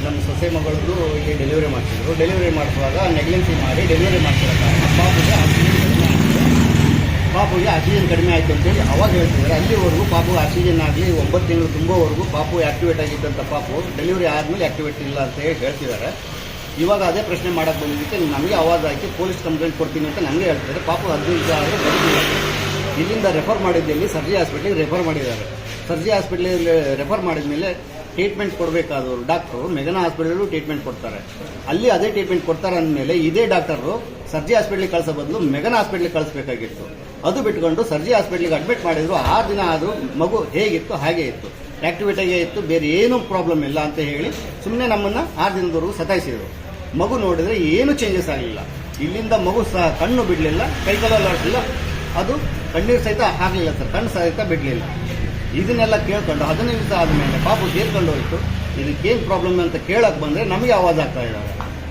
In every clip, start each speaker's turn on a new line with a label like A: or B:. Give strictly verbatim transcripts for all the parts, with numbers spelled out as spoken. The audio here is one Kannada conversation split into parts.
A: ನಮ್ಮ ಸೊಸೆ ಮಗಳದ್ದು ಇಲ್ಲಿ ಡೆಲಿವರಿ ಮಾಡ್ತಿದ್ರು. ಡೆಲಿವರಿ ಮಾಡಿಸುವಾಗ ನೆಗ್ಲೆನ್ಸಿ ಮಾಡಿ ಡೆಲಿವರಿ ಮಾಡ್ತಿರೋ ಕಾರಣ ಪಾಪುಗೆ ಆಕ್ಸಿಜನ್ ಕಡಿಮೆ ಆಗಿದೆ ಪಾಪುಗೆ ಆಕ್ಸಿಜನ್ ಕಡಿಮೆ ಆಯಿತು ಅಂತೇಳಿ ಅವಾಗ ಹೇಳ್ತಿದ್ದಾರೆ. ಅಲ್ಲಿವರೆಗೂ ಪಾಪು ಆಕ್ಸಿಜನ್ ಆಗಲಿ ಒಂಬತ್ತು ತಿಂಗಳು ತುಂಬೋವರೆಗೂ ಪಾಪು ಆ್ಯಕ್ಟಿವೇಟ್ ಆಗಿದ್ದಂಥ ಪಾಪು ಡೆಲಿವರಿ ಆದಮೇಲೆ ಆ್ಯಕ್ಟಿವೇಟ್ ಇಲ್ಲ ಅಂತ ಹೇಳಿ ಹೇಳ್ತಿದ್ದಾರೆ. ಇವಾಗ ಅದೇ ಪ್ರಶ್ನೆ ಮಾಡೋಕ್ಕೆ ಬಂದಿದ್ದಕ್ಕೆ ನಮಗೆ ಆವಾಜ್ ಹಾಕಿ ಪೊಲೀಸ್ ಕಂಪ್ಲೇಂಟ್ ಕೊಡ್ತೀನಿ ಅಂತ ನಮಗೆ ಹೇಳ್ತಿದ್ದಾರೆ. ಪಾಪು ಹದಿನೈದು ಆದರೆ ಬದುಕಿಲ್ಲ. ಇಲ್ಲಿಂದ ರೆಫರ್ ಮಾಡಿದ್ದಲ್ಲಿ ಸರ್ಜಿ ಹಾಸ್ಪಿಟ್ಲಿಗೆ ರೆಫರ್ ಮಾಡಿದ್ದಾರೆ. ಸರ್ಜಿ ಹಾಸ್ಪಿಟ್ಲಿಗೆ ರೆಫರ್ ಮಾಡಿದ ಮೇಲೆ ಟ್ರೀಟ್ಮೆಂಟ್ ಕೊಡಬೇಕಾದವರು ಡಾಕ್ಟರು ಮೆಗನ ಹಾಸ್ಪಿಟಲು ಟ್ರೀಟ್ಮೆಂಟ್ ಕೊಡ್ತಾರೆ. ಅಲ್ಲಿ ಅದೇ ಟ್ರೀಟ್ಮೆಂಟ್ ಕೊಡ್ತಾರೆ ಅಂದಮೇಲೆ ಇದೇ ಡಾಕ್ಟರು ಸರ್ಜಿ ಹಾಸ್ಪಿಟ್ಲಿಗೆ ಕಳಿಸೋ ಬದಲು ಮೆಗನ ಹಾಸ್ಪಿಟ್ಲಿಗೆ ಕಳಿಸ್ಬೇಕಾಗಿತ್ತು. ಅದು ಬಿಟ್ಕೊಂಡು ಸರ್ಜಿ ಹಾಸ್ಪಿಟ್ಲಿಗೆ ಅಡ್ಮಿಟ್ ಮಾಡಿದ್ರು. ಆರು ದಿನ ಆದರೂ ಮಗು ಹೇಗಿತ್ತು ಹಾಗೆ ಇತ್ತು, ಆ್ಯಕ್ಟಿವಿಟಿಗೆ ಇತ್ತು, ಬೇರೆ ಏನೂ ಪ್ರಾಬ್ಲಮ್ ಇಲ್ಲ ಅಂತ ಹೇಳಿ ಸುಮ್ಮನೆ ನಮ್ಮನ್ನು ಆರು ದಿನದವರೆಗೂ ಸತಾಯಿಸಿದರು. ಮಗು ನೋಡಿದರೆ ಏನೂ ಚೇಂಜಸ್ ಆಗಲಿಲ್ಲ. ಇಲ್ಲಿಂದ ಮಗು ಸಹ ಕಣ್ಣು ಬಿಡಲಿಲ್ಲ, ಕೈಕಾಲಲ್ಲಿ ಆಡಲಿಲ್ಲ, ಅದು ಕಣ್ಣೀರು ಸಹಿತ ಆಗಲಿಲ್ಲ ಸರ್, ಕಣ್ಣು ಸಹಿತ ಬಿಡಲಿಲ್ಲ. ಇದನ್ನೆಲ್ಲ ಕೇಳ್ಕೊಂಡು ಹದಿನೈದು ದಿವಸ ಆದಮೇಲೆ ಪಾಪು ಸೇರ್ಕೊಂಡು ಹೋಯಿತು. ಇದಕ್ಕೇನು ಪ್ರಾಬ್ಲಮ್ ಅಂತ ಕೇಳಕ್ಕೆ ಬಂದರೆ ನಮಗೆ ಆವಾಜ್ ಆಗ್ತಾ ಇದ್ದಾರೆ.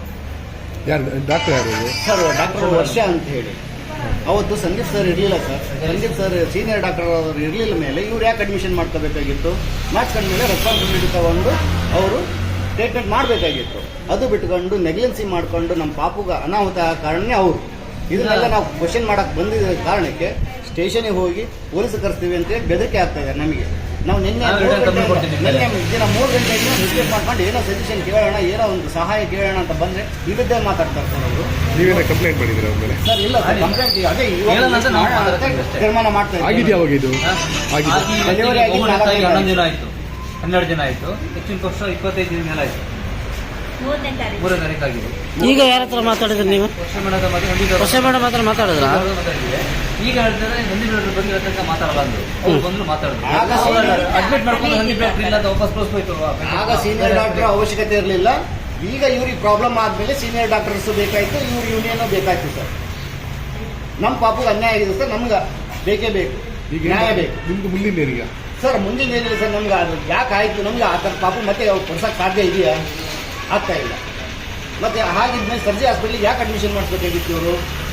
B: ಯಾರು ಡಾಕ್ಟರ್ ಯಾರು
A: ಸರ್? ಡಾಕ್ಟರ್ ವರ್ಷ ಅಂತ ಹೇಳಿ. ಅವತ್ತು ಸಂದೀಪ್ ಸರ್ ಇರಲಿಲ್ಲ sir. Sandeep sir senior doctor ಅವರು ಇರಲಿಲ್ಲ ಮೇಲೆ ಇವ್ರು ಯಾಕೆ ಅಡ್ಮಿಷನ್ ಮಾಡ್ಕೋಬೇಕಾಗಿತ್ತು? ಮಾಡಿಸ್ಕೊಂಡ್ಮೇಲೆ ರೆಸ್ಪಾನ್ಸಿಬಿಲಿಟಿ ತಗೊಂಡು ಅವರು ಟ್ರೀಟ್ಮೆಂಟ್ ಮಾಡಬೇಕಾಗಿತ್ತು. ಅದು ಬಿಟ್ಕೊಂಡು ನೆಗ್ಲೆನ್ಸಿ ಮಾಡಿಕೊಂಡು ನಮ್ಮ ಪಾಪುಗ ಅನಾಹುತ ಕಾರಣನೇ ಅವರು. ಇದನ್ನೆಲ್ಲ ನಾವು ಕ್ವಶನ್ ಮಾಡಕ್ಕೆ ಬಂದಿದ್ದ ಕಾರಣಕ್ಕೆ ಸ್ಟೇಷನಿಗೆ ಹೋಗಿ ಪೊಲೀಸ್ ಕರೆಸ್ತೀವಿ ಅಂತೇಳಿ ಬೆದರಿಕೆ ಆಗ್ತಾ ಇದೆ ನಮಗೆ. ನಾವು ನಿನ್ನೆ ನಿನ್ನೆ ದಿನ ಮೂರು ಗಂಟೆಗೆ ರಿಕ್ವೆಸ್ಟ್ ಮಾಡ್ಕೊಂಡು ಏನೋ ಸಜೆಷನ್ ಕೇಳೋಣ, ಏನೋ ಒಂದು ಸಹಾಯ ಕೇಳೋಣ ಅಂತ ಬಂದರೆ ವಿರುದ್ಧ ಮಾತಾಡ್ತಾರೆ ಸರ್ ಅವರು.
B: ನೀವೇನ ಕಂಪ್ಲೇಂಟ್ ಮಾಡಿದ್ರೆ ಮೇಲೆ?
A: ಸರ್ ಇಲ್ಲ ಸರ್, ಕಂಪ್ಲೇಂಟ್ ಅದೇ ತೀರ್ಮಾನ ಮಾಡ್ತಾ ಇದ್ದೀವಿ.
B: ಯಾವಾಗ ಇದು
A: ಡೆಲಿವರಿ ಆಗಿ
C: ಹನ್ನೊಂದು ದಿನ ಆಯಿತು, ಹನ್ನೆರಡು ದಿನ ಆಯಿತು. ಹೆಚ್ಚಿನ ವರ್ಷ ಇಪ್ಪತ್ತೈದು ದಿನ ಮೇಲೆ ಆಯಿತು, ಮೂರನೇ ತಾರೀಕು ಆಗಿದೆ.
D: ಈಗ ಯಾರ ಹತ್ರ ಮಾತಾಡಿದ್ರಿ ನೀವು?
C: ವರ್ಷ ಮೇಡಮ್
D: ವರ್ಷ ಮೇಡಮ್ ಹತ್ರ ಮಾತಾಡಿದ್ರ?
C: ಈಗ ಹೇಳ್ತಾರೆ ಸಂದೀಪ್ ಡಾಕ್ಟರ್ ಬಗ್ಗೆ ಹೇಳ್ತಕ್ಕ ಮಾತಾಡಲ್ಲ ಅಂದ್ರು. ಅವ್ರು ಬಂದ್ರು ಮಾತಾಡಿದ್ರು. ಅಡ್ಮಿಟ್ ಮಾಡ್ಕೊಂಡು ಸಂದೀಪ್ ಡಾಕ್ಟರ್ ಇಲ್ಲ ಅಂತ ವಾಪಸ್ ಕಳಿಸ್ಬೋಯ್ತು.
A: ಆಗ ಸೀನಿಯರ್ ಡಾಕ್ಟರ್ ಅವಶ್ಯಕತೆ ಇರಲಿಲ್ಲ. ಈಗ ಇವ್ರಿಗೆ ಪ್ರಾಬ್ಲಮ್ ಆದ್ಮೇಲೆ ಸೀನಿಯರ್ ಡಾಕ್ಟರ್ಸ್ ಬೇಕಾಯ್ತು, ಇವ್ರ ಯೂನಿಯನ್ ಬೇಕಾಯ್ತು ಸರ್. ನಮ್ಮ ಪಾಪುಗೆ ಅನ್ಯಾಯ ಆಗಿದೆ ಸರ್, ನಮ್ಗೆ ಬೇಕೇ ಬೇಕು, ನ್ಯಾಯ ಬೇಕು.
B: ನಿಮ್ಗೆ ಮುಂದಿನ ಏನಿಗ
A: ಸರ್? ಮುಂದಿನ ಏನಿಲ್ಲ ಸರ್, ನಮ್ಗೆ ಅದು ಯಾಕೆ ಆಯ್ತು ನಮ್ಗೆ ಆ ಥರ ಪಾಪು ಮತ್ತೆ ಕೊಡ್ಸಕ್ಕೆ ಸಾಧ್ಯ ಇದೆಯಾ? ಆಗ್ತಾ ಇಲ್ಲ. ಮತ್ತೆ ಹಾಗಿದ್ಮೇಲೆ ಸರ್ಜಿ ಹಾಸ್ಪಿಟ್ಲಿಗೆ ಯಾಕೆ ಅಡ್ಮಿಷನ್ ಮಾಡಿಸ್ಬೇಕಾಗಿತ್ತು ಇವರು?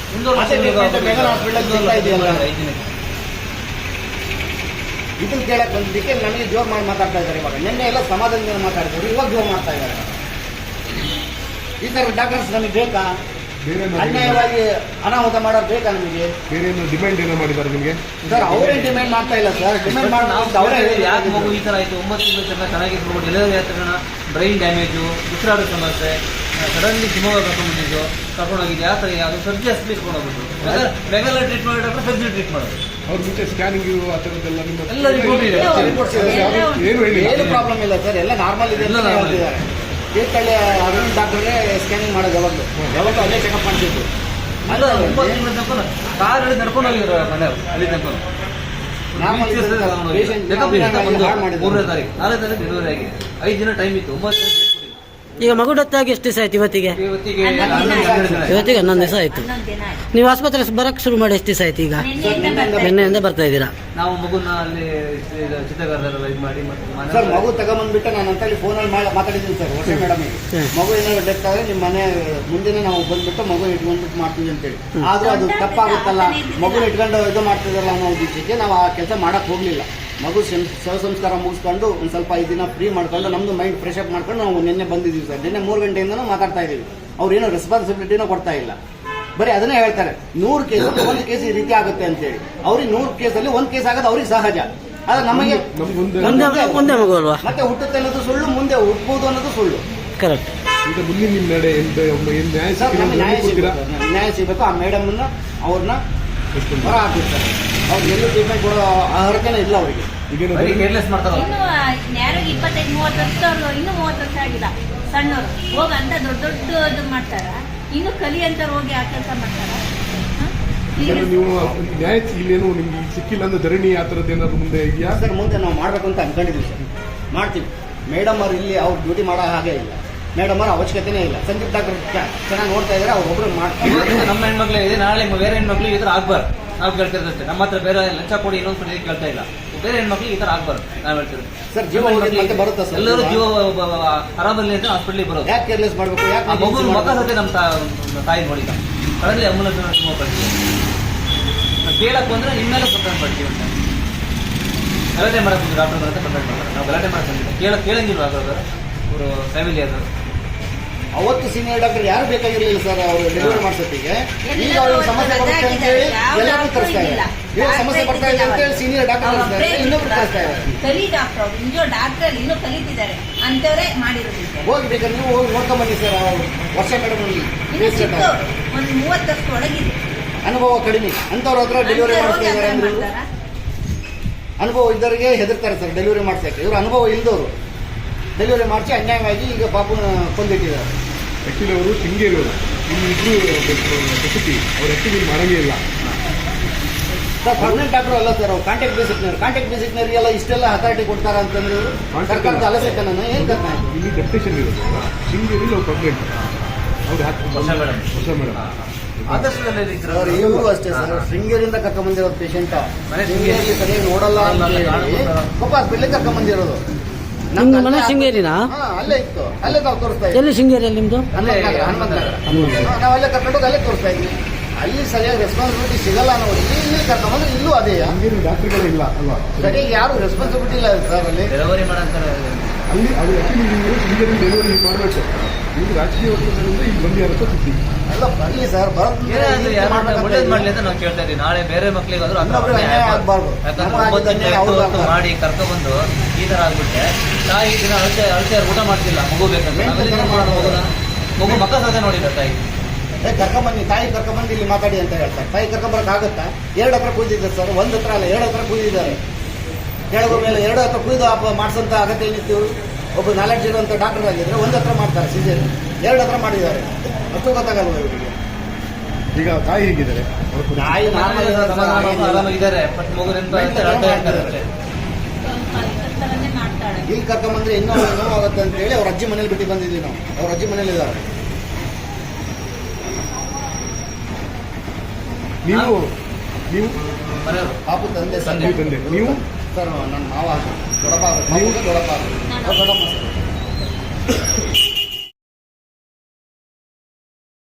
A: ಮೆಗನ್ ಹಾಸ್ಪಿಟಲ್ ಇದೆಯಲ್ಲ, ಇದನ್ನು ಕೇಳಕ್ಕೆ ಬಂದಿದ್ದಕ್ಕೆ ನಮಗೆ ಜೋರ್ ಮಾಡಿ ಮಾತಾಡ್ತಾ ಇದ್ದಾರೆ. ಇವಾಗ ನಿನ್ನೆ ಎಲ್ಲ ಸಮಾಧಾನದಿಂದ ಮಾತಾಡ್ತಾರೆ, ಇವಾಗ ಜೋರ್ ಮಾಡ್ತಾ ಇದ್ದಾರೆ. ಈ ಥರ ಡಾಕ್ಟರ್ಸ್ ನಮಗೆ ಬೇಕಾ? ಅನ್ಯಾಯವಾಗಿ ಅನಾಹುತ ಮಾಡೋದು ಬೇಕಾ ನಮಗೆ?
B: ಬೇರೆ ಡಿಮ್ಯಾಂಡ್ ಏನೋ ಮಾಡಿದ್ದಾರೆ ನಿಮಗೆ?
A: ಸರ್ ಅವರೇ ಡಿಮ್ಯಾಂಡ್ ಮಾಡ್ತಾ ಇಲ್ಲ ಸರ್. ಡಿಮ್ಯಾಂಡ್ ಮಾಡಿ ಅವರೇ
C: ಯಾಕೆ ಮಗು ಈ ಥರ ಆಯಿತು? ಒಂಬತ್ತು ತಿಂಗಳು ತನಕ ಚೆನ್ನಾಗಿದ್ರು, ಡೆಲಿವರಿ ಆದ ತಕ್ಷಣ ಬ್ರೈನ್ ಡ್ಯಾಮೇಜು, ಉಸಿರಾಡೋ ಸಮಸ್ಯೆ, ಸಡನ್ಲಿ ಶಿವಮೊಗ್ಗ ಕರ್ಕೊಂಡ್ಬಂದಿದ್ದು, ಕರ್ಕೊಂಡೋಗಿದ್ದು ಯಾವ ಥರ ಯಾವುದು ಸರ್ಜಿ ಹಾಸ್ಪಿಟಲ್ ಕರ್ಕೊಂಡೋಗ್ಬಿಟ್ಟು ರೆಗ್ಯುಲರ್ ಟ್ರೀಟ್ ಮಾಡೋ ಡಾಕ್ಟರ್ ಸರ್ಜರಿ ಟ್ರೀಟ್ ಮಾಡೋದು.
B: ಅವ್ರ ಮುಂಚೆ ಸ್ಕ್ಯಾನಿಂಗ್ ಆ ಥರದ್ದೆಲ್ಲ ನಿಮ್ಮ
C: ಎಲ್ಲ ರಿಪೋರ್ಟ್ ಇದೆ.
B: ಏನು ಹೇಳಿ
A: ಏನು ಪ್ರಾಬ್ಲಮ್ ಇಲ್ಲ ಸರ್, ಎಲ್ಲ ನಾರ್ಮಲ್ ಇದೆ ಅಂತ ಹೇಳ್ತಿದ್ದಾರೆ. ತೀರ್ಥಹಳ್ಳಿ ಅರವಿಂದ್ ಡಾಕ್ಟರ್ಗೆ ಸ್ಕ್ಯಾನಿಂಗ್ ಮಾಡೋದು ಯಾವಾಗಲೂ ಯಾವಾಗಲೂ ಅಲ್ಲೇ ಚೆಕಪ್ ಮಾಡ್ತಿದ್ದು.
C: ಅಲ್ಲ ಒಂಬತ್ತು ತಿಂಗಳ ತನಕ ಕಾರ್ ಹಿಡಿದು ನಡ್ಕೊಂಡು ಹೋಗಿದ್ರು ಮನೆಯವರು ಅಲ್ಲಿ ತನಕ. ಮೂರನೇ ತಾರೀಕು ನಾಲ್ಕು ತಾರೀಕು ಡೆಲಿವರಿ ಆಗಿದೆ. ಐದು ದಿನ ಟೈಮ್ ಇತ್ತು. ಒಂಬತ್ತು
D: ಈಗ ಮಗು ಡೆತ್ ಆಗಿ ಎಷ್ಟು ದಿವಸ ಆಯ್ತು ಇವತ್ತಿಗೆ?
C: ಇವತ್ತಿಗೆ
D: ಇವತ್ತಿಗೆ ಹನ್ನೊಂದು ದಿವಸ ಆಯ್ತು. ನೀವು ಆಸ್ಪತ್ರೆ ಬರಕ್ಕೆ ಶುರು ಮಾಡಿ ಎಷ್ಟು ದಿವಸ ಆಯ್ತು ಈಗ? ನಿನ್ನೆಯಿಂದ ಬರ್ತಾ ಇದ್ದೀರಾ?
C: ನಾವು ಮಗುನ ಅಲ್ಲಿ ಚಿತ್ರಗಾರರೆಲ್ಲ ಇದು ಮಾಡಿ
A: ಸರ್ ಮಗು ತಗೊಂಬಂದ್ಬಿಟ್ಟು ನಾನು ಅಂತಲ್ಲಿ ಫೋನಲ್ಲಿ ಮಾತಾಡಿದ್ದೀನಿ ಸರ್ ವರ್ಷ ಮೇಡಮಿಗೆ. ಮಗು ಏನಾದ್ರು ಡೆತ್ ಆದರೆ ನಿಮ್ಮ ಮನೆ ಮುಂದೆನೇ ನಾವು ಬಂದ್ಬಿಟ್ಟು ಮಗು ಇಟ್ಕೊಂಡ್ಬಿಟ್ಟು ಮಾಡ್ತೀವಿ ಅಂತೇಳಿ. ಆದರೂ ಅದು ತಪ್ಪಾಗುತ್ತಲ್ಲ, ಮಗು ಇಟ್ಕೊಂಡು ಇದು ಮಾಡ್ತಿದ್ದಲ್ಲ ಅನ್ನೋ ಉದ್ದೇಶಕ್ಕೆ ನಾವು ಆ ಕೆಲಸ ಮಾಡಕ್ಕೆ ಹೋಗಲಿಲ್ಲ. ಮಗು ಶವ ಸಂಸ್ಕಾರ ಮುಗಿಸ್ಕೊಂಡು ಒಂದು ಸ್ವಲ್ಪ ಐದು ದಿನ ಫ್ರೀ ಮಾಡ್ಕೊಂಡು ನಮ್ಮದು ಮೈಂಡ್ ಫ್ರೆಶ್ ಅಪ್ ಮಾಡ್ಕೊಂಡು ನಾವು ನಿನ್ನೆ ಬಂದಿದ್ದೀವಿ ಸರ್. ನಿನ್ನೆ ಮೂರು ಗಂಟೆಯಿಂದನೂ ಮಾತಾಡ್ತಾ ಇದ್ದೀವಿ. ಅವ್ರು ಏನೋ ರೆಸ್ಪಾನ್ಸಿಬಿಲಿಟಿನೂ ಕೊಡ್ತಾ ಇಲ್ಲ, ಬರೀ ಅದನ್ನೇ ಹೇಳ್ತಾರೆ. ನೂರು ಕೇಸ್ ಒಂದು ಕೇಸ್ ಈ ರೀತಿ ಆಗುತ್ತೆ ಅಂತೇಳಿ. ಅವ್ರಿಗೆ ನೂರು ಕೇಸಲ್ಲಿ ಒಂದು ಕೇಸ್ ಆಗೋದು ಅವ್ರಿಗೆ ಸಹಜ. ಆದ್ರೆ ನಮಗೆ
D: ಒಂದೇ ಮಗು ಅಲ್ವಾ?
A: ಮತ್ತೆ ಹುಟ್ಟುತ್ತೆ ಅನ್ನೋದು ಸುಳ್ಳು, ಮುಂದೆ ಹುಟ್ಟಬಹುದು ಅನ್ನೋದು ಸುಳ್ಳು.
D: ಕರೆಕ್ಟ್.
B: ಈಗ ಮುಂದಿನ ನಿಮ್ಮ ನಡೆ ನ್ಯಾಯ
A: ನ್ಯಾಯ ಸಿಗಬೇಕು. ನ್ಯಾಯ ಸಿಗಬೇಕು. ಆ ಮೇಡಮ್ನ ಅವ್ರನ್ನ ಹೊರ ಹಾಕಿರ್ತಾರೆ. ಅವ್ರಿಗೆ ಎಲ್ಲೂ ಟ್ರೀಟ್ಮೆಂಟ್ ಕೊಡೋ ಅರ್ಹತೆನೇ ಇಲ್ಲ ಅವರಿಗೆ.
C: ಕೇರ್ಲೆಸ್ ಮಾಡ್ತಾರೆ.
E: ಇನ್ನು ಯಾರಿಗೆ ಇಪ್ಪತ್ತೈದು ಮೂವತ್ತು ವರ್ಷದವ್ರು ಇನ್ನೂ ಮೂವತ್ತು ವರ್ಷ ಆಗಿಲ್ಲ ಸಣ್ಣವರು ಹೋಗ ಅಂತ ದೊಡ್ಡ ದೊಡ್ಡದು ಮಾಡ್ತಾರ. ಇನ್ನು ಕಲಿ ಅಂತ ಹೋಗಿ ಆ ಕೆಲಸ ಮಾಡ್ತಾರ.
B: ನೀವು ನ್ಯಾಯ ಇಲ್ಲೇನು ನಿಮ್ಗೆ ಸಿಕ್ಕಿಲ್ಲ ಅಂದ್ರೆ ಧರಣಿ ಆ ಥರದ್ದು ಏನಾದ್ರು ಮುಂದೆ ಇದೆಯಾ
A: ಸರ್? ಮುಂದೆ ನಾವು ಮಾಡಬೇಕು ಅಂತ ಅನ್ಕೊಂಡಿದ್ದೀವಿ ಸರ್, ಮಾಡ್ತೀವಿ. ಮೇಡಮ್ ಅವ್ರು ಇಲ್ಲಿ ಅವ್ರು ಡ್ಯೂಟಿ ಮಾಡೋ ಹಾಗೆ ಇಲ್ಲ. ಮೇಡಮ್ ಅವ್ರ ಅವಶ್ಯಕತೆನೇ ಇಲ್ಲ. ಸಂದೀಪ್ ಡಾಕ್ಟರ್ ಚೆನ್ನಾಗಿ ನೋಡ್ತಾ ಇದ್ದಾರೆ, ಅವ್ರು ಒಬ್ಬರು ಮಾಡ್ತಾರೆ.
C: ನಮ್ಮ ಹೆಣ್ಮಕ್ಳು ಇದೆ, ನಾಳೆ ಬೇರೆ ಹೆಣ್ಮಕ್ಳು ಈ ಥರ ಆಗ್ಬಾರ್ದು. ನಾವು ಕೇಳ್ತಿರ್ತೇವೆ. ನಮ್ಮ ಹತ್ರ ಬೇರೆ ಲಂಚ ಕೊಡಿ ಇನ್ನೊಂದು ಸರಿ ಕೇಳ್ತಾ ಇಲ್ಲ. ಬೇರೆ ಹೆಣ್ಮಕ್ಳಿಗೆ ಈ ಥರ ಆಗ್ಬಾರ್ದು ನಾವು ಹೇಳ್ತೀವಿ
A: ಸರ್. ಜೀವ ಮತ್ತೆ ಬರುತ್ತೆ ಸರ್.
C: ಎಲ್ಲರೂ ಜೀವ ಆರಾಮಲ್ಲಿ ಅಂತ ಹಾಸ್ಪಿಟ್ಲಿಗೆ ಬರೋದು.
A: ಯಾಕೆ ಕೇರ್ಲೆಸ್ ಮಾಡಬೇಕು? ಯಾಕೆ
C: ಆ ಮಗು ಮಗ ಸತ್ತೆ ನಮ್ಮ ತಾಯಿ ನೋಡಿದ ಕಡಲಿ ಆಂಬುಲೆನ್ಸ್ ಶಿವಮೊಗ್ಗ ಕಳಿಸ್ತೀವಿ. ಕೇಳಕ್ಕೆ ಬಂದರೆ ಇನ್ಮೇಲೆ ಕಂಪ್ಲೇಂಟ್ ಮಾಡ್ತೀವಿ ಅಂತ ಗಲಾಟೆ ಮಾಡಕ್ಕೆ ಡಾಕ್ಟರ್ ಬರುತ್ತೆ ಕಂಪ್ಲೇಂಟ್ ಮಾಡ್ತಾರೆ. ನಾವು ಗಲಾಟೆ ಮಾಡಕ್ಕೆ ಬಂದಿಲ್ಲ. ಕೇಳ ಕೇಳಂಗಿಲ್ಲ ಆಗೋದ್ರೆ ಅವರು ಫ್ಯಾಮಿಲಿ ಅದು
A: ಅವತ್ತು ಸೀನಿಯರ್ ಡಾಕ್ಟರ್ ಯಾರು ಬೇಕಾಗಿರ್ಲಿಲ್ಲ ಸರ್ ಅವರು ಡೆಲಿವರಿ ಮಾಡ್ಸೋತ್ತಿಗೆ. ಈಗ ಅವ್ರಿಗೆ ಸಮಸ್ಯೆ ಬರುತ್ತೆ ಅಂತ ಹೇಳಿ ಎಲ್ಲರೂ ತರಿಸ್ತಾ ಇದ್ದಾರೆ. ಇವಾಗ ಸಮಸ್ಯೆ ಬರ್ತಾ ಇದೆ ಅಂತ ಹೇಳಿ ಸೀನಿಯರ್ ಡಾಕ್ಟರ್ ತರಿಸ್ತಾ ಇದ್ದಾರೆ, ಇನ್ನೊಬ್ರು ತರಿಸ್ತಾ ಇದ್ದಾರೆ.
E: ಕಲಿ ಡಾಕ್ಟರ್ ಅವರು ಇಂಜೋ ಡಾಕ್ಟರ್ ಅಲ್ಲಿ ಇನ್ನೂ ಕಲಿತಿದ್ದಾರೆ ಅಂತವರೇ ಮಾಡಿರೋದಿದೆ.
A: ಹೋಗಿ ಬೇಕಾದ್ರೆ ನೀವು ಹೋಗಿ ನೋಡ್ಕೊಂಡ್ ಬನ್ನಿ ಸರ್. ಅವ್ರು ವರ್ಷ ಮೇಡಮ್
E: ಇನ್ನು ಚಿಕ್ಕ ಒಂದು ಮೂವತ್ತು ವರ್ಷ ಒಳಗಿದೆ
A: ಅನುಭವ ಕಡಿಮೆ ಅಂತವ್ರ ಹತ್ರ ಡೆಲಿವರಿ ಮಾಡಿಸ್ತಾ ಇದ್ದಾರೆ ಅಂದ್ರೆ ಇವ್ರು
E: ಮಾಡ್ತಾರಾ?
A: ಅನುಭವ ಇದ್ದವರಿಗೆ ಹೆದರ್ತಾರೆ ಸರ್ ಡೆಲಿವರಿ ಮಾಡ್ಸಕ್ಕೆ. ಇವರು ಅನುಭವ ಇಲ್ದವರು ಡೆಲಿವರಿ ಮಾಡಿಸಿ ಅನ್ಯಾಯವಾಗಿ ಈಗ ಪಾಪನ ಕೊಂದಿಟ್ಟಿದ್ದಾರೆ.
B: ಆಕ್ಚುಲಿ ಅವರು ಶೃಂಗೇರಿ ಅವರು ಇಲ್ಲಿ ಇಬ್ರು ಪ್ರಸೂತಿ ಅವ್ರು ಆಕ್ಚುಲಿ ಮಾಡಂಗೇ ಇಲ್ಲ.
A: ಸರ್ ಪರ್ಮನೆಂಟ್ ಡಾಕ್ಟರ್ ಅಲ್ಲ ಸರ್, ಅವ್ರು ಕಾಂಟ್ಯಾಕ್ಟ್ ಬೇಸಿಕ್ನವ್ರು. ಕಾಂಟ್ಯಾಕ್ಟ್ ಬೇಸಿಕ್ನವರಿಗೆಲ್ಲ ಇಷ್ಟೆಲ್ಲ ಅಥಾರಿಟಿ ಕೊಡ್ತಾರ ಅಂತಂದ್ರೆ ಇವರು ಸರ್ಕಾರದ ಅಲಸೆ ನಾನು ಏನು ಕರ್ತ
B: ಇಲ್ಲಿ ಡೆಪ್ಟೇಷನ್ ಇರೋದು ಶೃಂಗೇರಿ ನಾವು ಕಂಪ್ಲೇಂಟ್ ಅವ್ರು
C: ಹೊಸ ಮೇಡಮ್
B: ಹೊಸ ಮೇಡಮ್
C: ಆದರ್ಶದಲ್ಲಿ
A: ಸರ್ ಇವರು ಅಷ್ಟೇ ಸರ್ ಶೃಂಗೇರಿಯಿಂದ ಕರ್ಕೊಂಬಂದಿರೋ ಪೇಷಂಟ್
C: ಮನೆ
A: ಶೃಂಗೇರಿ ಸರಿಯಾಗಿ ನೋಡಲ್ಲ ಅಂತ ಹೇಳಿ ಪಾಪ ಬೆಳ್ಳಿ ಕರ್ಕೊಂಬಂದಿರೋದು.
D: ನಿಮ್ದು ಮನೆ ಶೃಂಗೇರಿನಾ?
A: ಹಾ ಅಲ್ಲೇ ಇತ್ತು, ಅಲ್ಲೇ ನಾವು ತೋರಿಸ್ತಾ ಇದ್ವಿ.
D: ಎಲ್ಲಿ ಶೃಂಗೇರಿಯಲ್ಲಿ ನಿಮ್ದು?
A: ಹನುಮಂತ ನಗರ, ಹನುಮಂತ ನಗರ. ಹಾ, ನಾವು ಅಲ್ಲೇ ಕರ್ಕೊಂಡೋಗಿ ಅಲ್ಲೇ ತೋರಿಸ್ತಾ ಇದ್ವಿ. ಅಲ್ಲಿ ಸರಿಯಾಗಿ ರೆಸ್ಪಾನ್ಸಿಬಿಲಿಟಿ ಸಿಗಲ್ಲ ನೋಡಿ. ಇಲ್ಲಿ ಕರ್ಕೊಂಬಂದ್ರೆ ಇಲ್ಲೂ ಅದೇ
B: ಶೃಂಗೇರಿ ಡಾಕ್ಟರ್ಗಳೇ ಇಲ್ಲ ಅಲ್ವಾ?
A: ಸರಿಯಾಗಿ ಯಾರು ರೆಸ್ಪಾನ್ಸಿಬಿಲಿಟಿ ಇಲ್ಲ ಸರ್ ಅಲ್ಲಿ.
C: ಡೆಲಿವರಿ ಮಾಡಂತಾರೆ
B: ಅಲ್ಲಿ ಅದು ಆಕ್ಚುಲಿ ನೀವು ಶೃಂಗೇರಿ ಡೆಲಿವರಿ ಮಾಡಬೇಕು. ನೀವು ರಾಜಕೀಯ ಒತ್ತಡದಿಂದ ಇಲ್ಲಿ ಬಂದು ಯಾರ ಸುದ್ದಿ
A: ಅಲ್ಲ ಬರ್ಲಿ ಸರ್,
C: ಏನಾದ್ರು ಯಾರು ಒಳ್ಳೇದು ಮಾಡ್ಲಿ ಅಂತ ನಾವು ಕೇಳ್ತಾ ಇದೀವಿ. ನಾಳೆ ಬೇರೆ ಮಕ್ಳಿಗಾದ್ರೂ ಆ ಥರ
A: ಇನ್ನೊಬ್ರಿಗೆ
C: ಅನ್ಯಾಯ
A: ಅನ್ಯಾಯ
C: ಆಗ್ಬಾರ್ದು.
A: ಆಗ್ಬಾರ್ದು.
C: ಯಾಕಂದ್ರೆ
A: ನಮ್ಮ
C: ಒಂಬತ್ತು
A: ಆಗಿದ್ದನ್ನೇ
C: ದಿನ
A: ಅವ್ರು
C: ಹೊತ್ತು
A: ಆಗ್ಬಾರ್ದು.
C: ಮಾಡಿ ಕರ್ಕೊಬಂದು ಈ ತರ ಆಗ್ಬಿಟ್ಟೆ ತಾಯಿ ದಿನ ಅಳತೆ ಅಳತೆ ಊಟ ಮಾಡ್ತಿಲ್ಲ ಮಗು ಬೇಕಂದ್ರೆ ನಾವೆಲ್ಲ ಏನ್ ಮಾಡೋದು ಮಗುನ ಮಗು ಮಕ್ಕ ಸಾಧ್ಯ ನೋಡಿಲ್ಲ ತಾಯಿ.
A: ಏ ಕರ್ಕೊಂಬನ್ನಿ, ತಾಯಿ ಕರ್ಕೊಂಬಂದು ಇಲ್ಲಿ ಮಾತಾಡಿ ಅಂತ ಹೇಳ್ತಾರೆ. ತಾಯಿ ಕರ್ಕೊಂಬರಕ್ ಆಗುತ್ತಾ? ಎರಡು ಹತ್ರ ಕೂದಿದ್ದಾರೆ ಸರ್, ಒಂದ್ ಹತ್ರ ಅಲ್ಲ ಎರಡು ಹತ್ರ ಕೂದಿದ್ದಾರೆ. ಕೆಳಗೋ ಮೇಲೆ ಎರಡು ಹತ್ರ ಕುಯ್ದು ಮಾಡಿಸೋಂಥ ಅಗತ್ಯ ಏನಿತ್ತು? ಒಬ್ಬ ನಾಲೆಡ್ಜ್ ಇರುವಂಥ ಡಾಕ್ಟರ್ ಆಗಿದ್ರೆ ಒಂದ್ ಹತ್ರ ಮಾಡ್ತಾರೆ ಸಿಜೇರಿಯನ್, ಎರಡು ಹತ್ರ ಮಾಡಿದ್ದಾರೆ. ಅಷ್ಟು ಗೊತ್ತಾಗಲ್ವ ಇವರಿಗೆ?
B: ಈಗ ತಾಯಿ ಹೇಗಿದ್ದಾರೆ? ಅವ್ರ ಪರಿಸ್ಥಿತಿ?
A: ತಾಯಿ ನಾರ್ಮಲ್
C: ಆರಾಮಾಗಿದ್ದಾರೆ ಬಟ್ ಮಗುನೆಂತ ಅಳ್ತಾ ಇರ್ತಾರೆ ಅಷ್ಟೇ.
E: ಥರನೇ ಮಾಡ್ತಾಳೆ.
A: ಇಲ್ಲಿ ಕರ್ಕೊಂಬಂದ್ರೆ ಇನ್ನೂ ನೋವಾಗುತ್ತೆ ಅಂತ ಹೇಳಿ ಅವ್ರ ಅಜ್ಜಿ ಮನೇಲಿ ಬಿಟ್ಟು ಬಂದಿದ್ವಿ ನಾವು. ಅವ್ರ ಅಜ್ಜಿ ಮನೇಲಿ ಇದ್ದಾರೆ.
B: ನೀವು ನೀವು
C: ಮನೆಯವರು
A: ಪಾಪು ತಂದೆ ಸರ್,
B: ತಂದೆ ನೀವು
A: ಸರ್ ನನ್ನ ಮಾವ ದೊಡ್ಡಪ್ಪ, ದೊಡ್ಡಪ್ಪ ದೊಡ್ಡಪ್ಪ